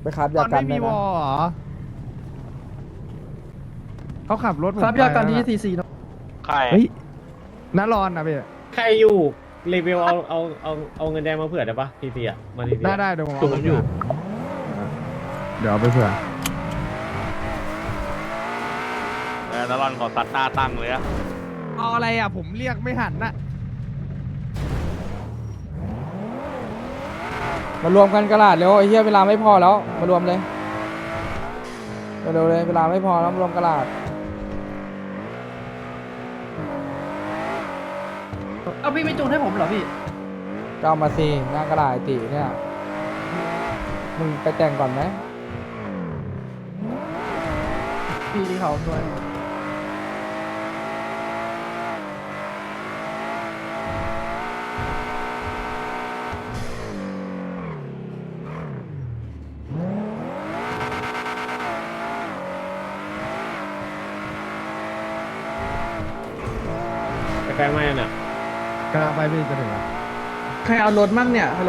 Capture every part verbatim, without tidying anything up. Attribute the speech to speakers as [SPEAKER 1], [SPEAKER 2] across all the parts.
[SPEAKER 1] ไปคราฟยา
[SPEAKER 2] ตอน
[SPEAKER 1] กัน
[SPEAKER 2] ไม่มี
[SPEAKER 1] ได้
[SPEAKER 2] ว
[SPEAKER 1] นะ
[SPEAKER 2] อลเหรอเขาขับรถผม
[SPEAKER 3] ครับยากันที่
[SPEAKER 2] ไป
[SPEAKER 3] ทีซีเนาะ
[SPEAKER 4] ใคร
[SPEAKER 2] เฮ้ยน่ารอนนะพี่
[SPEAKER 5] ใครอยู่รีวิวเอาเอาเอาเอาเงินแดงมาเผื่อได้ปะทีทีอ่ะมาทีที
[SPEAKER 2] ได้ได้เดี๋ยวผม
[SPEAKER 5] จุ่
[SPEAKER 2] เอา
[SPEAKER 5] ม
[SPEAKER 2] ไป
[SPEAKER 5] อยู่
[SPEAKER 2] เดี๋ยวเอาไปเผื่อ
[SPEAKER 4] เออแล้วรอนขอซัดหน้าตั้งเลยอะ
[SPEAKER 2] เอาอะไรอ่ะผมเรียกไม่หันน่ะ
[SPEAKER 1] มารวมกันกระดาษเร็วไอ้เหี้ยเวลาไม่พอแล้วมารวมเลยเร็วๆเลยเวลาไม่พอแล้วมารวมกระดาษ
[SPEAKER 3] เอาพี่ไม่จูนให้ผมเหรอพี่
[SPEAKER 1] ก็เอามาสิหน้ากระดาษไอ้ตีเนี่ยมึงไปแต่งก่อนไหม
[SPEAKER 3] พี่ที่เขาด้วย
[SPEAKER 5] ไปแฟงไหมน่ะ
[SPEAKER 2] กำลังไปพี่จะถึงแล้ว
[SPEAKER 3] ใครเอารถมั่งเนี่ยฮัลโหล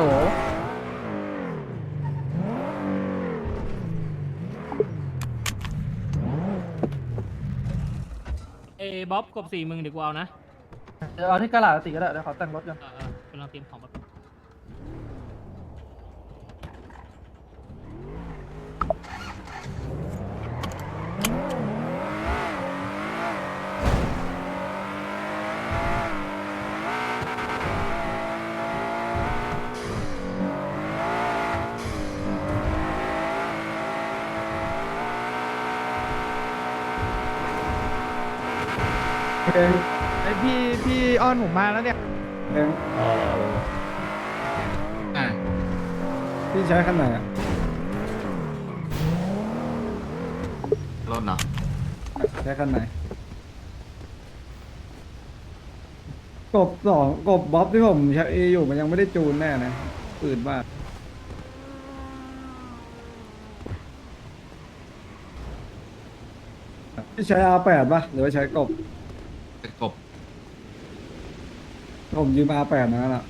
[SPEAKER 6] เอ้บ๊อบกบสี่มึงเดี๋ยวกูเอานะ
[SPEAKER 3] เดี๋ยวเอาที่กระดาษติก็ได้เดี๋ยวขอแต่งรถกัน
[SPEAKER 6] เออเออกำลังเตรียมของมา
[SPEAKER 2] ไอพี่พี่อ้อนผมมาแล้วเนี่ย
[SPEAKER 5] เออ
[SPEAKER 3] พี่ใช้คันไหนอ่ะ
[SPEAKER 7] รถเนาะ
[SPEAKER 3] ใช้คันไหนกบสองกบบ๊อบที่ผมใช้อยู่มันยังไม่ได้จูนแน่นะปืนมากพี่ใช้ อาร์ แปด ป่ะหรือว่าใช้กบ
[SPEAKER 7] เป็นกบ
[SPEAKER 3] ผมยืม อาร์ แปด นั่นแหละ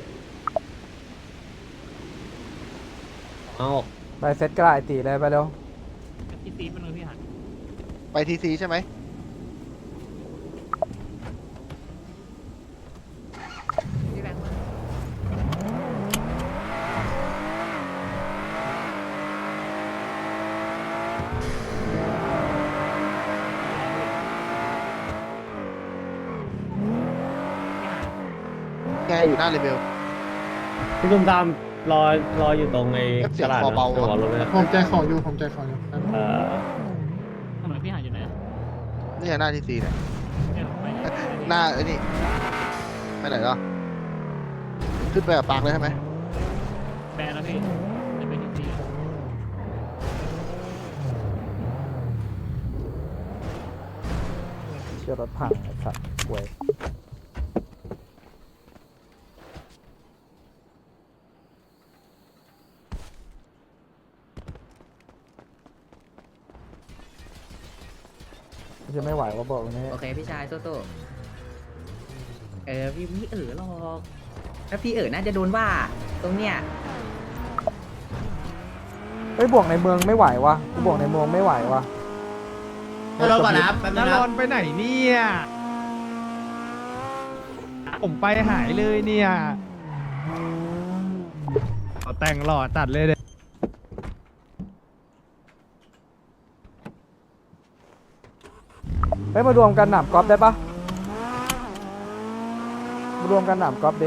[SPEAKER 5] เอา
[SPEAKER 1] ไปเซ็ตกระดาษไอ้ตีเลยไปเร็ว
[SPEAKER 6] ที่ซีเป็นมือพี่หัน
[SPEAKER 7] ไปทีซีใช่ไหม
[SPEAKER 6] พี่แบงค์
[SPEAKER 7] แกอยู่หน้าเลเวล
[SPEAKER 5] พี่ตุ้มตามรอรออยู่ตรงไอ้
[SPEAKER 7] เอฟเสี
[SPEAKER 5] ต
[SPEAKER 7] ยง
[SPEAKER 5] ลาด
[SPEAKER 7] คอเบา
[SPEAKER 5] ตัวรถเลย
[SPEAKER 3] ผมใจขออยู่ผมใจขออยู่
[SPEAKER 5] เออ
[SPEAKER 6] ทำไมพี่หันอยู่ไหนอะ
[SPEAKER 7] นี่หน้าทีซีเนี่ย
[SPEAKER 6] เนี่ยผมไปเนี่ย
[SPEAKER 7] หน้าไอ้นี่ไปไหนแล้วขึ้นไปกับปากเลยใช่ไหม
[SPEAKER 6] แบนแล้วพี่จะไปที่ซี
[SPEAKER 1] เชื่อรถพังไอ้สัตว์ป่วยจะไม่ไหวว่าบอกวันนี้
[SPEAKER 8] โอเคพี่ชายสู้ๆเออพี่ไม่เออหรอกถ้าพี่เออน่าจะโดนว่าตรงเนี้ย
[SPEAKER 1] เฮ้ยบวกในเมืองไม่ไหววะกูบวกในเมืองไม่ไหววะ
[SPEAKER 3] รถก่อนนะแป๊บนึ
[SPEAKER 2] น่าง
[SPEAKER 3] นะ
[SPEAKER 2] รอนไปไหนเนี่ยผมไปหายเลยเนี่ยเอาแต่งหล่อตัดเลยเด็
[SPEAKER 1] เฮ้ยมารวมกันหนามกอล์ฟได้ปะมารวมกันหนามกอล์ฟดิ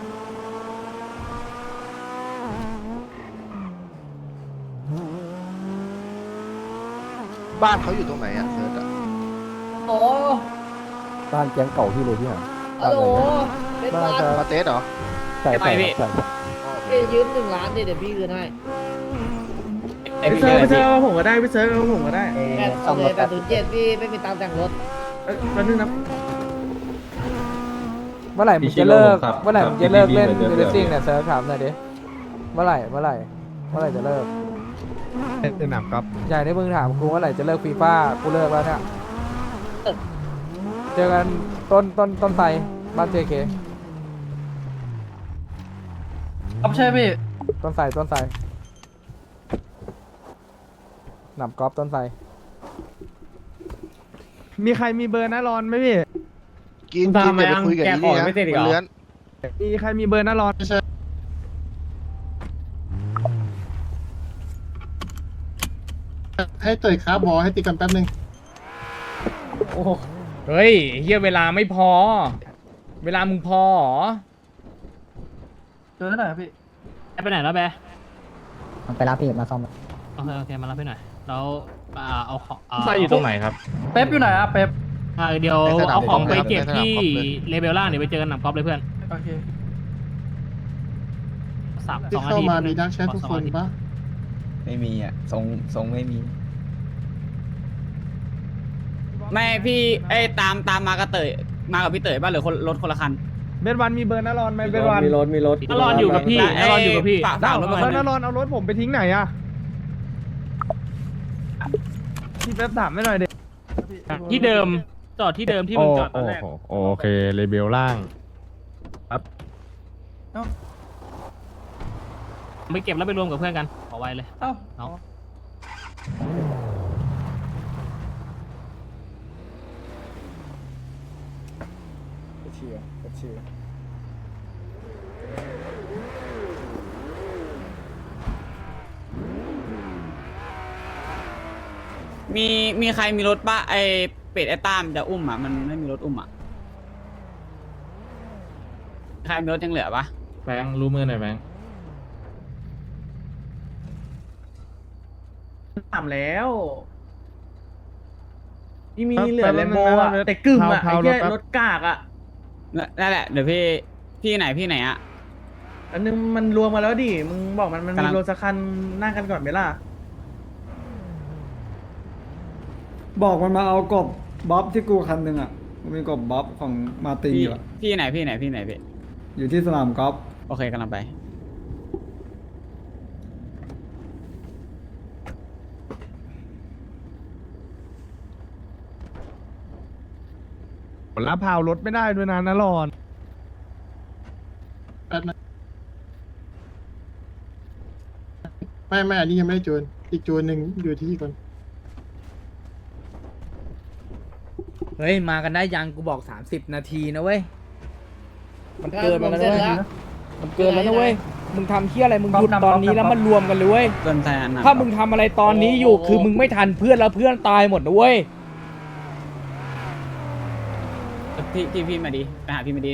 [SPEAKER 7] บ้านเขาอยู่ตรงไหนอะเซิร์ชอะ
[SPEAKER 9] โอ้
[SPEAKER 1] บ้านแก๊งเก่าพี่เลยพี่หา
[SPEAKER 9] ฮัลโหลเล่น
[SPEAKER 1] บ้า
[SPEAKER 9] บ้าน น
[SPEAKER 1] จะ
[SPEAKER 7] มาเตสเหรอ
[SPEAKER 1] ใส่ใส่ใส่
[SPEAKER 9] พี่ยืมหนึ่งล้านดิเดี๋ยวพี่คืนให้
[SPEAKER 3] พี่เซิร์ฟพี่เซิร์ฟเอาผมก็ได้พี่เซิร์ฟเอาผมก็ได้
[SPEAKER 9] แปดเอาเลยแปดศูนย์เจ็ดพี่ไม่มีตังค์แต่งรถ
[SPEAKER 3] เอ้ยแป๊บนึงนะ
[SPEAKER 1] เมื่อไหร่มึงจะเลิกเมื่อไหร่มึงจะเลิกเล่นเรซซิ่งเนี่ยเซิร์ฟถามหน่อยดิเมื่อไหร่เมื่อไหร่เมื่อไหร่จะเลิก
[SPEAKER 2] สนามกอล์ฟ
[SPEAKER 1] ใหญ่ในมึงถามกูเมื่อไหร่จะเลิกฟีฟ่ากูเลิกแล้วเนี่ยเจอกันต้นต้นต้นไทรบ้านเจเค
[SPEAKER 3] ครับใช่พี่
[SPEAKER 1] ต้นไทรต้นไทรหนับกอล์ฟต้นไทร
[SPEAKER 2] มีใครมีเบอร์นะรอนไหมพี่
[SPEAKER 7] กินกินอย่าไปคุยกับอีนี่นะมันเลื้อน
[SPEAKER 2] มีใครมีเบอร์นะรอน
[SPEAKER 3] ให้เตยครับบอให้ตีกันแป๊บนึง
[SPEAKER 6] โอ้เฮ้ยเฮียเวลาไม่พอ เวลามึงพอเหรอ
[SPEAKER 3] เจอหน่อยครับพี่
[SPEAKER 6] ไปไหนแล้วแบ
[SPEAKER 8] ไปรับพี่มาซ่อม
[SPEAKER 6] โอเคโอเคมารับให้หน่อยแล้วอ่าเอาของ
[SPEAKER 5] ใส่อยู่ตรงไหนครับ
[SPEAKER 3] เป๊ปอยู่ไหนอะเป๊ป
[SPEAKER 6] อ่าเดี๋ยวเอาของไปเก็บที่เลเวลล่างเดี๋ยวไปเจอกันหนังกอล์ฟเลยเพื่อน
[SPEAKER 3] โอเค
[SPEAKER 6] สามส
[SPEAKER 3] ที่
[SPEAKER 6] องนา
[SPEAKER 3] เข้า
[SPEAKER 6] ที
[SPEAKER 3] มามีดักแชททุกคนปะ
[SPEAKER 8] ไม่มีอ่ะทรงทรงไม่มี
[SPEAKER 10] ไม่พี่ไอ้ตามตามมากับเตยมากับพี่เตยป่ะหรือคนรถคนละคัน
[SPEAKER 2] เบสวันมีเบอร์นะรอนไหมเบสวัน
[SPEAKER 5] มีรถมีรถ
[SPEAKER 6] นรอนอยู่กับพี่นรอนอยู่กับพี่
[SPEAKER 10] ฝากฝากรถมา
[SPEAKER 2] แล้ว
[SPEAKER 10] หน่
[SPEAKER 2] นะ
[SPEAKER 10] อย
[SPEAKER 2] รอนเอารถผมไปทิ้งไหนอะพี่แป๊บถามไม่หน่อยเด็ก
[SPEAKER 6] ที่เดิมจอดที่เดิมที่มึงจอดตอนแรก
[SPEAKER 2] โอเคเลเบลล่าง
[SPEAKER 6] ไปเก็บแล้วไปรวมกับเพื่อนกันขอไว้เลยเนาะ
[SPEAKER 1] เชียร์เชียร์
[SPEAKER 10] มีมีใครมีรถป่ะไอเป็ดไอตามจะอุ้มอ่ะมันไม่มีรถอุ้มอ่ะใครมีรถยังเหลือปะ
[SPEAKER 5] แบงค์รู้มือหน่อยแบงค์
[SPEAKER 3] ถามแล้วนี่มี
[SPEAKER 2] เหลือแลมโบอะแต่กึ่มอะไอ้แค่รถกากอะ
[SPEAKER 10] นั่นแหละเดี๋ยวพี่พี่ไหนพี่ไหนอ่ะ
[SPEAKER 3] อันนึงมันรวมมาแล้วดิมึงบอกมันมัน
[SPEAKER 10] กำลั
[SPEAKER 3] มี
[SPEAKER 10] ง
[SPEAKER 3] รถสักคันนั่งกันก่อนไหมล่ะ
[SPEAKER 11] บอกมันมาเอากบบ๊อบที่กูคันหนึ่งอ่ะมันมีกบบ๊อบของมาร์ติน
[SPEAKER 10] พี่
[SPEAKER 11] อยู่อะ
[SPEAKER 10] พี่ไหนพี่ไหนพี่ไหนพี่
[SPEAKER 11] อยู่ที่สนามกอล์ฟ
[SPEAKER 10] โอเคกำลังไป
[SPEAKER 2] รับพาวรถไม่ได้ด้วยนะนะรอน
[SPEAKER 3] ไม่ไม่อันนี้ยังไม่ได้จูนอีกจูนหนึ่งอยู่ที่คน
[SPEAKER 1] เฮ้ยมากันได้ยังกูบอกสามสิบนาทีนะเว้ยมันเกินไปแล้วนะเว้ยมันเกินแล้วนะเว้ยมึงทำเที่ยอะไรมึงหยุดตอนนี้แล้วมันรวมกันเลยเว้ย
[SPEAKER 10] เกินแทนนะ
[SPEAKER 1] ถ้ามึงทำอะไรตอนนี้อยู่คือมึงไม่ทันเพื่อนแล้วเพื่อนตายหมดนะเว้ย
[SPEAKER 10] พี่พี่พี่มาดีไปหาพี่มาดี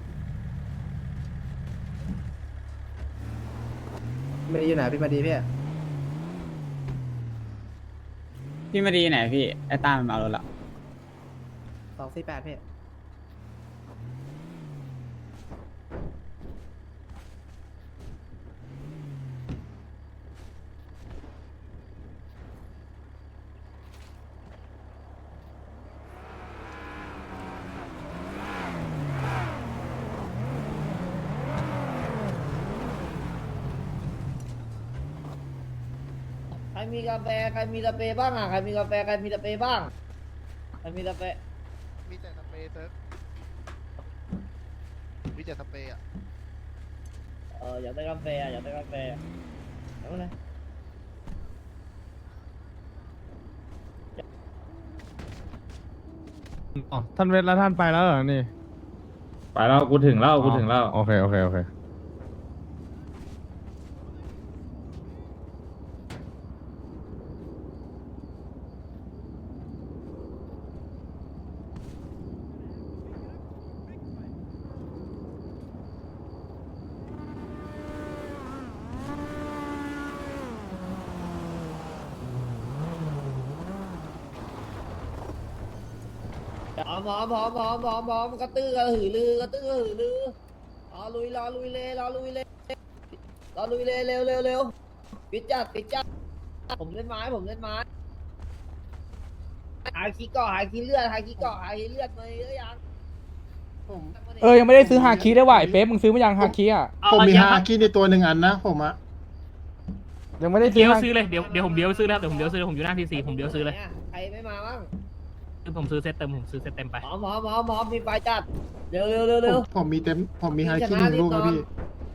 [SPEAKER 8] ไม่ได้อยู่ไหนพี่มาดีพี่
[SPEAKER 10] พี่มาดีไหนพี่ไอตามมันมาเอารถละ
[SPEAKER 8] สองสี่แปดพี่
[SPEAKER 9] ใครมีกาแฟใครมีสเปรย์บ้างอ่ะใครมีกาแฟใครมีสเปรย์บ้างใครมีสเปรย์
[SPEAKER 7] มีแต่สเปรย์เซิร์ฟมีแต่สเปรย์อ่ะ
[SPEAKER 9] เอออยากได้กาแฟอ่ะอยากได้กาแฟเอาเลย
[SPEAKER 2] อ๋อท่านเวทแล้วท่านไปแล้วเหรอนี่
[SPEAKER 5] ไปแล้วกูถึงแล้วกูถึงแล้ว
[SPEAKER 2] โอเคโอเคโอเค
[SPEAKER 9] หอมหอมหอมหอมหอมหอมกระตือกระหือรือกระตือกระหือรือรอลุยรอลุยเลยรอลุยเลยรอลุยเลยเร็วเร็วเร็วปิดจัดปิดจัดผมเล่นไม้ผมเล่นไม้หาขี้เกาะหาขี้เลือดหาขี้เกาะหาขี้เลือดมาเยอะยังผม
[SPEAKER 1] เออยังไม่ได้ซื้อฮาคิได้ว่ะไอ้เป๊ปมึงซื้อมายังฮาคิอ่ะ
[SPEAKER 3] ผมมีฮาคิในตัวหนึ่งอันนะผมอะ
[SPEAKER 1] ยังไม่ได้ซื้
[SPEAKER 6] เดี๋
[SPEAKER 1] อ
[SPEAKER 6] ยว
[SPEAKER 1] ฮา
[SPEAKER 6] ซื้อเลยเดี๋ยวเดี๋ยวผมเดี๋ยวซื้อแล้วเดี๋ยวผมเดี๋ยวซื้อผมอยู่หน้าทีซีผมเดี๋ยวซื้อเลย
[SPEAKER 9] ใครไม่มาบ้าง
[SPEAKER 6] คือผมซื้อเซตเต็มผมซื้อเซตเต็มไป
[SPEAKER 9] หอมหอมหอมหอมมีไฟจัดเร็วเร็วเร็วเร็ว
[SPEAKER 3] ผมมีเต็มผมมีฮาคิหนึ่งลูกครับพี่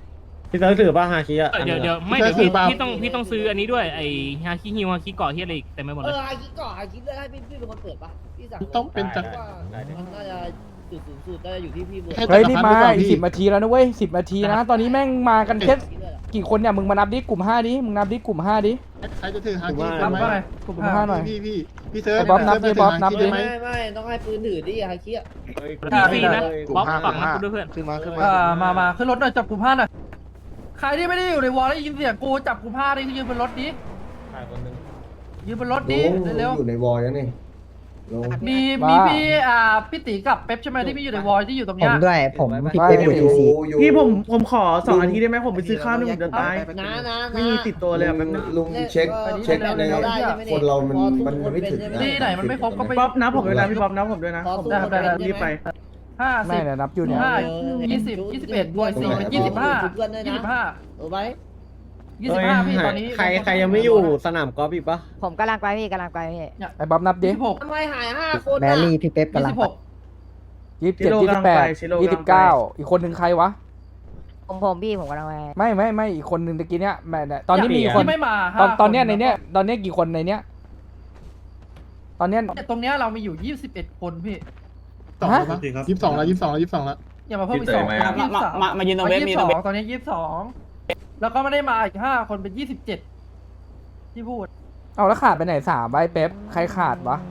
[SPEAKER 5] พี่เติร์กถือป่ะฮาคิอะ
[SPEAKER 6] เดี๋ยวเดี๋ยวไม่เดี๋ยวพี่พี่ต้องพี่ต้องซื้ออันนี้ด้วยไอ้ฮาคิฮิวฮาคิเกาะเฮียอะไรอีกเต็มไปหมด
[SPEAKER 9] เอ
[SPEAKER 6] เลย
[SPEAKER 9] อไอ้คิดก่อนไอ้คิดเลยให้พี่พี่เป็นคนเปิดปะพี่สั่ง
[SPEAKER 2] ต้องเป็นจักร
[SPEAKER 9] ว่ามันน่าจะจุดสูงสุดน่าจะอยู่ที่พี่เบิร์ด
[SPEAKER 1] เฮ้ยนี่มาอีกสิบนาทีแล้วนะเว้ยสิบนาทีนะตอนนี้แม่งมากันแค่กี่คนเนี่ยมึงมานับดิกลุ่มห้าดิมึงนับดิกลุ่มห้าดิ
[SPEAKER 2] ใครจะถือฮา
[SPEAKER 5] ถือ
[SPEAKER 2] คิ
[SPEAKER 5] ว่า
[SPEAKER 2] คนไหม
[SPEAKER 1] กลุ่มห้าหน่อย
[SPEAKER 2] พี่พี่พี่เซิร์ฟ
[SPEAKER 1] ไอ้บ๊อบนับดิบ๊อบนับดิ
[SPEAKER 9] ไม่ไม่ต้องให้ปืนถือดิไอ้คิด
[SPEAKER 6] พี่ฟรีนะบ๊อบฝั่งนั้นกูด้วยเพื่อน
[SPEAKER 7] ขึ้นมาขึ้นมา
[SPEAKER 11] อ่ามามาขึ้นรถหน่อยจับกลุ่มห้าหน่อยใครที่ไม่ได้อยู่ในวอลแล้วยินเสียงกูจับกลุ่มห้าดิยืนบนรถดิ
[SPEAKER 5] ใครคนหนึง
[SPEAKER 11] ยืนบนรถดิเร็ว
[SPEAKER 3] อยู่ในวอลยังนี่ลง
[SPEAKER 11] ๆมีมีพี่อ่าพี่ตีกับเป๊ปใช่ไหมที่พี่อยู่ในวอลที่อยู่ตรงเนี้ย
[SPEAKER 8] ด้วยผม
[SPEAKER 1] พี่เป๊ปอยู่
[SPEAKER 3] อยู่อยู่
[SPEAKER 2] พี่ผมผมขอสองนาทีได้ไหมผมไปซื้อข้าวหนึ่งเดือนตาย
[SPEAKER 9] นะนะ
[SPEAKER 2] ไม่มีติดตัวเลยอะแป๊บนึง
[SPEAKER 3] ลุงเช็คเช็คในคนเรามันมันไม่ถึงนะ
[SPEAKER 11] ที่ไหนมันไม่ครบก็ไป
[SPEAKER 2] บ๊อบนับผมด้วยนะพี่บ๊อบนับผมด้วยนะ
[SPEAKER 9] ขอ
[SPEAKER 2] ผม
[SPEAKER 9] สู้
[SPEAKER 11] ได้ได้ได้
[SPEAKER 2] รีบไป
[SPEAKER 11] ห้า
[SPEAKER 1] ไม่
[SPEAKER 11] สิบ
[SPEAKER 1] เนี่ยนับอยู่เนี่ย
[SPEAKER 11] ห้ายี่สิบยี่สิบเอ็ดบวกสี่เป็นยี่สิบห้ายี่สิบห้า
[SPEAKER 9] เออไว้
[SPEAKER 11] ยี่สิบห้าพี่ตอนนี้
[SPEAKER 5] ใครใครยังไม่อยู่สนามกอล์ฟอีกปะ
[SPEAKER 8] ผมกำลังไปพี่กำลังไปพี่
[SPEAKER 1] ไอ้บ๊อบนับดิ
[SPEAKER 11] ยี่สิบหก
[SPEAKER 9] ทำไมหายห้าคน
[SPEAKER 8] แบลลี่พี่เป๊ป
[SPEAKER 11] ยี่
[SPEAKER 8] กำลัง
[SPEAKER 11] สิบ
[SPEAKER 8] ไป
[SPEAKER 11] หก
[SPEAKER 1] ยี่สิบเจ็ดยี่สิบแปดยี่สิบเก้าอีกคนหนึ่งใครวะ
[SPEAKER 8] ผมผมพี่ผมกำลังไป
[SPEAKER 1] ไม่ไม่ไม่อีกคนหนึ่งตะกี้เนี้ยแม่เนี่ยตอนนี้มีกี่คน
[SPEAKER 11] ที่ไม่มา
[SPEAKER 1] ตอน
[SPEAKER 11] ห้า
[SPEAKER 1] ตอนเนี้ย
[SPEAKER 11] ค
[SPEAKER 1] ในเนี้ยตอนเนี้ยกี่คนในเนี้ยตอนเนี้ย
[SPEAKER 11] ตรงเนี้ยเรามีอยู่ยี่สิบเอ็ดคนพี่
[SPEAKER 1] ฮะ
[SPEAKER 2] ยี่สิบสองแล้วยี่สิบสองแล้วยี่สิบสองแล้ว
[SPEAKER 11] อย่ามาเพิ่มอีกสอง
[SPEAKER 10] มามามามายืนตรงเวฟ
[SPEAKER 11] ยี่
[SPEAKER 10] มี
[SPEAKER 11] สิบ
[SPEAKER 10] ต
[SPEAKER 11] ส
[SPEAKER 10] ร
[SPEAKER 11] อง ง
[SPEAKER 10] เวฟ
[SPEAKER 11] ตอนนี้ยี่สิบสองแล้วก็ไม่ได้มาอีกห้าคนเป็นยี่สิบเจ็ดที่พูด
[SPEAKER 1] เอาแล้วขาดไปไหนสามใบเป๊ปใครขาดวะ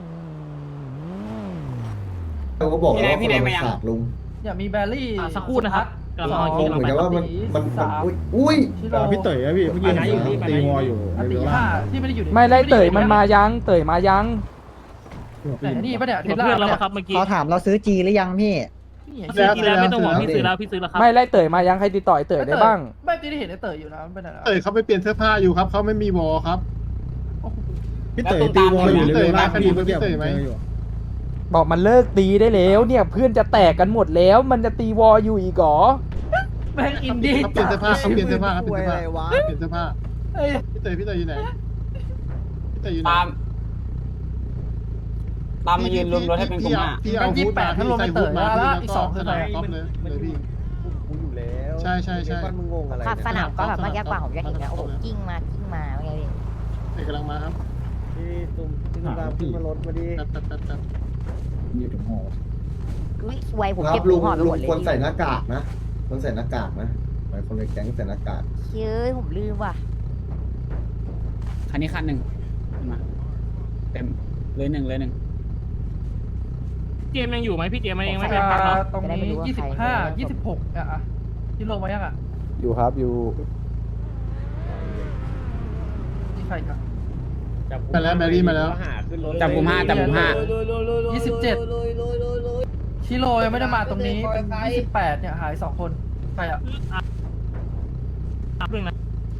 [SPEAKER 3] เราก็บอก
[SPEAKER 10] พี่
[SPEAKER 3] ว่า
[SPEAKER 10] แดงพี่แดงมายัง
[SPEAKER 3] ขาดลุง
[SPEAKER 11] อย่ามีแบลลี่
[SPEAKER 6] อ่ะสักครู่นะครับกำลัง
[SPEAKER 11] ส
[SPEAKER 6] เอา
[SPEAKER 11] อง
[SPEAKER 6] คิว
[SPEAKER 3] เหมือนกับว่ามันมันมันอุ้ยอุ้ย
[SPEAKER 11] ชิโร่
[SPEAKER 2] พี่เต๋อพี่เมื่อกี้ตีวออยู่
[SPEAKER 11] อติห้าที่ไม่ได้อยู่ใน
[SPEAKER 1] ไม่ไล่เตยมันมายังเตยมายัง
[SPEAKER 11] แต่นี่ปะเนี่ยเท
[SPEAKER 6] เพื่
[SPEAKER 11] สลา
[SPEAKER 6] อนเรา
[SPEAKER 11] เนี่ย
[SPEAKER 6] ครับเมื่อกี้
[SPEAKER 8] เขาถามเราซื้อจีหรือยังพี่
[SPEAKER 11] นี่
[SPEAKER 6] ซื้อทีแล้วไม่ต้องห่วงพี่ซื้อแล้วพี่ซื้อแล้วครับ
[SPEAKER 1] ไม่ไล่เตยมายังใครติดต่อไอ้เตยได้บ้าง
[SPEAKER 11] ไม่ได้เห็นไอ้เต๋ออยู่นะมันเป็นอะไร
[SPEAKER 2] เต๋อเขาไปเปลี่ยนเสื้อผ้าอยู่ครับเขาไม่มีวอครับ
[SPEAKER 10] พี่เต๋อตีวอลอยู่
[SPEAKER 2] พี่เต๋อมาคดีเมื่อกี้พี่เต๋อไหม
[SPEAKER 1] บอกมันเลิกตีได้แล้วเนี่ยเพื่อนจะแตกกันหมดแล้ว มันจะตีวออยู่อีกเหรอ
[SPEAKER 11] แม่งอินดี้
[SPEAKER 2] เขาเปลี่ยนเสื้อผ้าเขาเปลี่ยนเสื้อผ้าเขาเปลี่ยนเสื้อผ้าเปลี่ยนเสื้อผ้า
[SPEAKER 11] เอ้ย
[SPEAKER 2] พี่เต๋อพี่เต๋ออยู่ไหนพี่เต๋ออยู่ไหน
[SPEAKER 10] ตามตามมายืนรวมรถให้เป็นกลุ่มห้า
[SPEAKER 2] พี่เอาฮูดมาพี่ใส่ฮูดมาแล้วอีกสองคือใส่ก๊อฟเลยเลยพี่
[SPEAKER 5] กูอยู่แล้ว
[SPEAKER 2] ใช่ใช่ใช่
[SPEAKER 5] บ้านมึงงงอะไร
[SPEAKER 8] ขับส
[SPEAKER 5] เนี่ย
[SPEAKER 8] นามก็แบบเมื่อกี้กว่าผมจะเห็นนะโอ้โหกิ้งมากิ้งมาเป็นไงพี่
[SPEAKER 2] เต๋อกำลังมาครับ
[SPEAKER 5] พี่ตุ้มขึ้นมาขึ้นมารถมาดิ
[SPEAKER 2] แป๊บแป๊บแป๊บแป๊บ
[SPEAKER 3] อยู่ตรงหอ
[SPEAKER 8] อุ้ยไวผม
[SPEAKER 3] ครั
[SPEAKER 8] เก็
[SPEAKER 3] บบ ลุ
[SPEAKER 8] ลู
[SPEAKER 3] ง
[SPEAKER 8] กหอดไป
[SPEAKER 3] ลุ
[SPEAKER 8] หม
[SPEAKER 3] ง
[SPEAKER 8] ดเลย
[SPEAKER 3] ควรใส่หน้ากากนะควรใส่หน้ากากนะหลายคนในแก๊งใส่หน้ากาก
[SPEAKER 8] เชื่อผมลืมว่ะ
[SPEAKER 10] คันนี้คันหนึ่งมาเต็มเลยหนึ่งเลยหนึ่ง
[SPEAKER 6] เจมยังอยู่ไหมพี่เจมยังไม่ไปพัก
[SPEAKER 11] อ่า
[SPEAKER 6] เนาะ
[SPEAKER 11] ตรงนี้ยี่สิบห้ายี่สิบหกอ่ะที่ลงมายังอ่ะ
[SPEAKER 1] อยู่ครับอยู่
[SPEAKER 11] ที่ใครกัน
[SPEAKER 2] มาแล้วแมรี่มาแล้ว
[SPEAKER 5] หาขึ้นรถ
[SPEAKER 10] จับกลุ่มห้าจับกลุ่มห้า
[SPEAKER 11] ยี่สิบเจ็ด ชิโร่ยังไม่ได้มาตรงนี้เป็นยี่สิบแปดเนี่ยหายสองคนใครอ่ะ
[SPEAKER 6] เรื่องนะ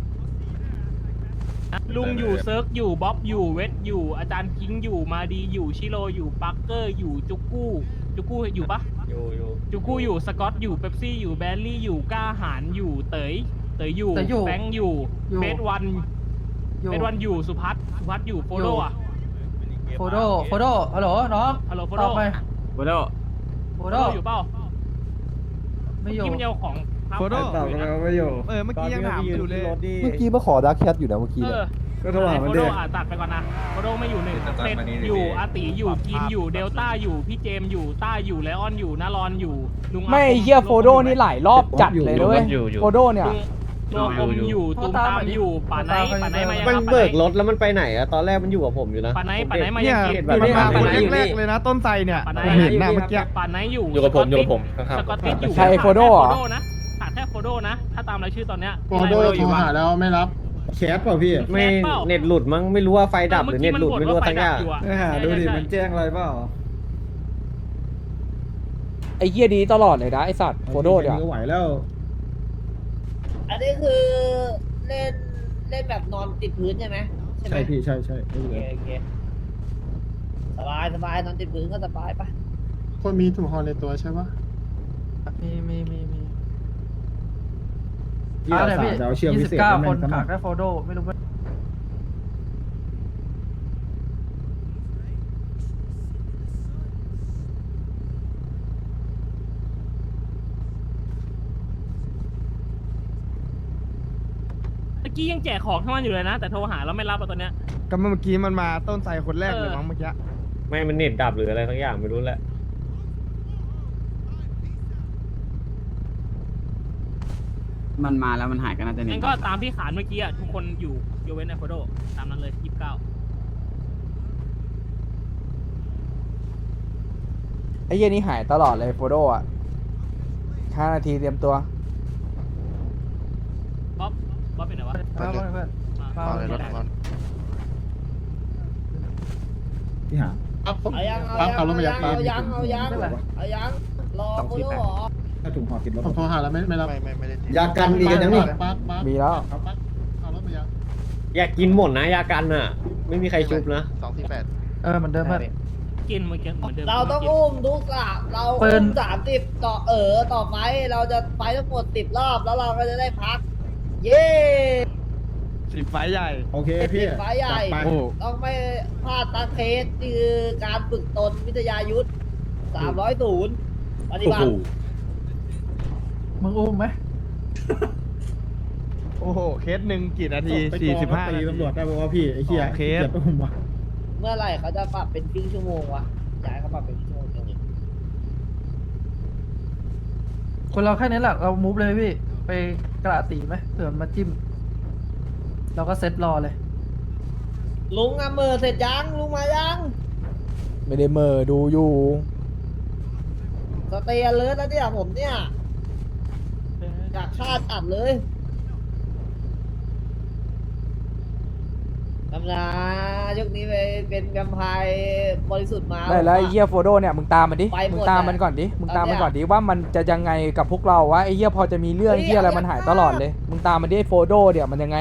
[SPEAKER 6] ลุงอยู่เซิร์กอยู่บ๊อบอยู่เวทอยู่อาจารย์คิงอยู่มาดีอยู่ชิโร่อยู่ปักเกอร์อยู่จุกกู้จุกกู้อยู่ปะ
[SPEAKER 5] อยู่อยู่
[SPEAKER 6] จูกู้อยู่สกอตอยู่เป๊ปซี่อยู่แบลลี่อยู่ก้าหารอยู่เต๋ยเต๋ยอยู่
[SPEAKER 11] เต๋ยอยู่
[SPEAKER 6] แบงค์อยู่
[SPEAKER 11] อยู่
[SPEAKER 6] เบสวัน
[SPEAKER 11] อยู่
[SPEAKER 6] เบสวันอยู่สุพัฒน์สุพัฒน์อยู่โฟโดอ่ะ
[SPEAKER 11] โฟโดโฟโดฮัลโหลน้อง
[SPEAKER 6] ฮัลโหลโฟ
[SPEAKER 11] ต
[SPEAKER 6] โด
[SPEAKER 11] อบไป
[SPEAKER 10] โบโด
[SPEAKER 11] โฟ
[SPEAKER 6] โฟ
[SPEAKER 11] โด
[SPEAKER 6] โดอยู่เปล่า
[SPEAKER 11] ไม่อยู่
[SPEAKER 6] ที่มันเอาของทับ
[SPEAKER 2] โฟโด
[SPEAKER 3] ตอบกันแล้วไม่อยู่
[SPEAKER 2] เออเมื่อกี้ยังถามอยู่เลย
[SPEAKER 1] เมื่อกี้มาขอดักแคทอยู่นะเมื่อกี้
[SPEAKER 6] เอ
[SPEAKER 1] เนี่ย
[SPEAKER 6] อ
[SPEAKER 3] ก็โทรหามัน
[SPEAKER 6] โฟ
[SPEAKER 3] เด็
[SPEAKER 6] โด
[SPEAKER 3] ก
[SPEAKER 6] อ่ะตัดไปก่อนนะโฟโดไม่อยู่หนึ่งเซตอยู่อาติอยู่กินอยู่เดลต้าอยู่พี่เจมอยู่ต้าอยู่ไลออนอยู่นารอนอยู่ลุง
[SPEAKER 1] ไม่เฮียโฟโดนี่หลายรอบจัดเลยนะเว้ยโฟโดเนี่ย
[SPEAKER 6] ลุงตัวอมอยู่ตูมตามอยู่ป่าไนป่าไนมายัง
[SPEAKER 5] มัน
[SPEAKER 6] ครับ
[SPEAKER 5] เบิกรถแล้วมันไปไหนอะตอนแรกมันอยู่กับผมอยู่นะ
[SPEAKER 6] ป่าไนป่าไนมา
[SPEAKER 2] เนี่
[SPEAKER 6] ยั
[SPEAKER 2] ย
[SPEAKER 6] งกิน
[SPEAKER 2] มันมา
[SPEAKER 6] ป่า
[SPEAKER 2] คน
[SPEAKER 6] ไนอยู่
[SPEAKER 2] แรกๆเลยนะต้นไทรเนี่ย
[SPEAKER 6] ป่าไน
[SPEAKER 2] ผมเห็นหน้าเมื่อกี้
[SPEAKER 6] ป่าไนอยู่
[SPEAKER 5] อยู่กับผมอยู่กับผม
[SPEAKER 6] สกอตติสอยู่
[SPEAKER 1] ใครโฟโดเหรอ
[SPEAKER 6] นะขาดแค่โฟโดนะ ถ้าตามรายชื่อตอนเนี้ย
[SPEAKER 2] โฟโดโทรหาแล้วไม่รับ
[SPEAKER 3] แคสเปล่าพี่
[SPEAKER 5] ไม่เน็ตหลุดมั้งไม่รู้ว่าไฟดับหรือเน็ตหลุดไม่รู้ว่าทั้งอย่าง
[SPEAKER 3] เออหาดูดิมันแจ้งอะไรเปล่า
[SPEAKER 1] ไอ้เฮียดีตลอดเลยนะไอ้สัตว์โฟโดเนี่ย
[SPEAKER 2] ก็ไหวแล้ว
[SPEAKER 9] อันนี้คือเล่นเล่นแบบนอนติดพื้นใช่ไหมใช่ไหม
[SPEAKER 2] ใช่พี่ใช่ใช่
[SPEAKER 9] โอเคโอเคสบายสบายนอนติดพื้นก็สบายปะ
[SPEAKER 2] คนมีถุงห่อในตัวใช่ปะ
[SPEAKER 11] มีมีมีมี
[SPEAKER 2] ที่เราสาวจะเอาเชือก
[SPEAKER 11] ยี่
[SPEAKER 2] พิ
[SPEAKER 11] สิบ
[SPEAKER 2] เศษ
[SPEAKER 11] เก้า
[SPEAKER 2] ให้
[SPEAKER 11] ค
[SPEAKER 2] มัน นส
[SPEAKER 11] ขา
[SPEAKER 2] มั
[SPEAKER 11] ด
[SPEAKER 2] คร
[SPEAKER 11] แค่โฟโดไม่รู้ว่า
[SPEAKER 6] กี้ยังแจกของทั้งวันอยู่เลยนะ แต่โทรหาแล้วไม่รับอะตอนเนี้ย
[SPEAKER 3] ก็เมื่อกี้มันมาต้นไทรคนแรกเลยมั้งเมื่อกี้
[SPEAKER 5] ไม่มันเน็ตดับหรืออะไรทั้งอย่างไม่รู้แหละ
[SPEAKER 10] มันมาแล้วมันหายกันน่าจะเน็
[SPEAKER 6] งั้
[SPEAKER 10] ต
[SPEAKER 6] นก็ตามที่ขานเมื่อกี้อะทุกคนอยู่ยกเว้นไอโฟโดตามนั้นเลยยี่สิบเก้า
[SPEAKER 1] ไอ้เหี้ยนี่หายตลอดเลยโฟโดอ่ะห้านาทีเตรียมตัว
[SPEAKER 6] บ๊อบบ๊อบเป็นไงวะ
[SPEAKER 11] เอาเพื่อน
[SPEAKER 7] มาเลยรถมัน
[SPEAKER 3] พี่หา
[SPEAKER 2] ปั๊บ
[SPEAKER 9] เอายังเอา
[SPEAKER 2] ปั๊บ
[SPEAKER 9] ยัง
[SPEAKER 2] เอารถมายั
[SPEAKER 9] เอา
[SPEAKER 2] ง
[SPEAKER 9] ยังเอายังเอายังเอายังรอกูด้วยเหรอ
[SPEAKER 3] ถ้าถุงห่อติดรถ
[SPEAKER 2] ผมโทรหาแล้วไม่ไม่รับ
[SPEAKER 7] ไม่ไม่ไม่ได้ติด
[SPEAKER 3] ยากันมีกันยังนี่
[SPEAKER 2] ปั๊บปั๊บ
[SPEAKER 1] มีแล้ว
[SPEAKER 2] ปั๊บปั๊บเอารถมายัง
[SPEAKER 5] อยากกินหมดนะยากันอ่ะ ไม่มีใครชุบนะ
[SPEAKER 7] สองสี่แปด
[SPEAKER 11] เออเหมือนเดิมเพื่อน
[SPEAKER 6] กินเมื่อกี้เหมือนเดิม
[SPEAKER 9] เราต้องอุ้มทุกสามเรา
[SPEAKER 11] ปื
[SPEAKER 9] อุ้
[SPEAKER 11] น
[SPEAKER 9] มสามสิบต่อเออต่อไฟเราจะไฟทั้งหมดสิบรอบแล้วเราก็จะได้พัก เย้
[SPEAKER 3] สิบไฟใหญ่ โอเคพี่
[SPEAKER 9] ไฟใหญ่
[SPEAKER 3] จัดไป
[SPEAKER 9] ต้องไม่พลาดตาเคสนี่คือการฝึกตนวิทยายุทธสามร้อยศูนย์ปฏิบัติ
[SPEAKER 11] มึงอุ้มไหม
[SPEAKER 3] โอ้โห เคสหนึ่งกี่นาทีสี่สิบห้านาทีตำรวจได้บอกว่าพี่ ไอ้เหี้ยเคส
[SPEAKER 9] เมื่อไหร่เขาจะปรับเป็นครึ่งชั่วโมงวะอยากให้เขาปรับเป็นครึ่งชั่วโมงจริง
[SPEAKER 11] คนเราแค่นี้แหละเรามูฟเลยพี่ ไปกระตีไหมเผื่อมันมาจิ้ม เราก็เซตรอเลย
[SPEAKER 9] ๆลุงอะเมอเสร็จยังลุงมายัง
[SPEAKER 1] ไม่ได้เหมอดูอยู่
[SPEAKER 9] สเตย์เลยนะเนี่ยผมเนี่ยอยากคาดอัดเลยตำนายกนี้ไปเป็นแวมไพร์บริสุทธิ์มา
[SPEAKER 1] ได้แล้วไอ้เหี้ยโฟโดเนี่ยมึงตามมันดิ
[SPEAKER 9] ไปหมด
[SPEAKER 1] มึงตามมันก่อนดิ มึงตามมันก่อนดิว่ามันจะยังไงกับพวกเราวะไอ้เหี้ยพอจะมีเรื่อง
[SPEAKER 9] เฮ้ย
[SPEAKER 1] เหี้ยอะไร
[SPEAKER 9] เอา
[SPEAKER 1] มันหาย
[SPEAKER 9] อย่า
[SPEAKER 1] ตลอดเลย มึงตามมันดิไอ้โฟโดเดี๋ยวมันยังไง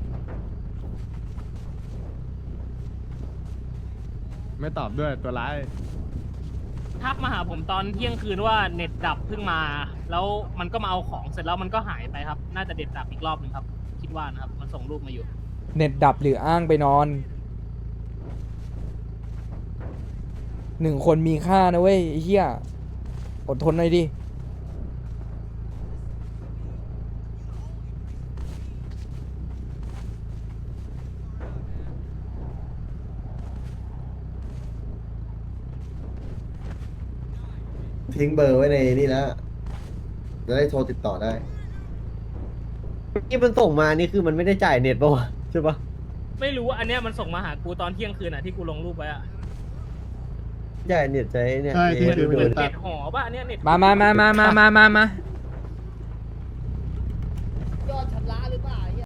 [SPEAKER 3] ไม่ตอบด้วยตัวร้าย
[SPEAKER 6] ทักมาหาผมตอนเที่ยงคืนว่าเน็ตดับเพิ่งมา แล้วมันก็มาเอาของเสร็จแล้วมันก็หายไปครับ น่าจะเด็ดดับอีกรอบหนึ่งครับ คิดว่านะครับ มันส่งรูปมาอยู่
[SPEAKER 1] เน็ตดับหรืออ้างไปนอน หนึ่งคนมีค่านะเว้ยไอ้เหี้ย อดทนหน่อยดิ
[SPEAKER 3] ทิ้งเบอร์ไว้ในนี่แล้ว จะได้โทรติดต่อได้
[SPEAKER 5] ที่มันส่งมานี่คือมันไม่ได้จ่ายเน็ตป่าวะใช่ปะ
[SPEAKER 6] ไม่รู้ว่าอันเนี้ยมันส่งมาหากูตอนเที่ยงคืนอ่ะที่กูลงรูปไว้อ่ะ
[SPEAKER 5] จ่ายเน็ตใจเนี่ย
[SPEAKER 2] ใช่ที่ถือ
[SPEAKER 6] เห
[SPEAKER 2] เป็
[SPEAKER 6] มือน
[SPEAKER 2] น
[SPEAKER 6] เน็ตหอป่ะอันเนี้ยเน็ต
[SPEAKER 1] มามามามามามามามา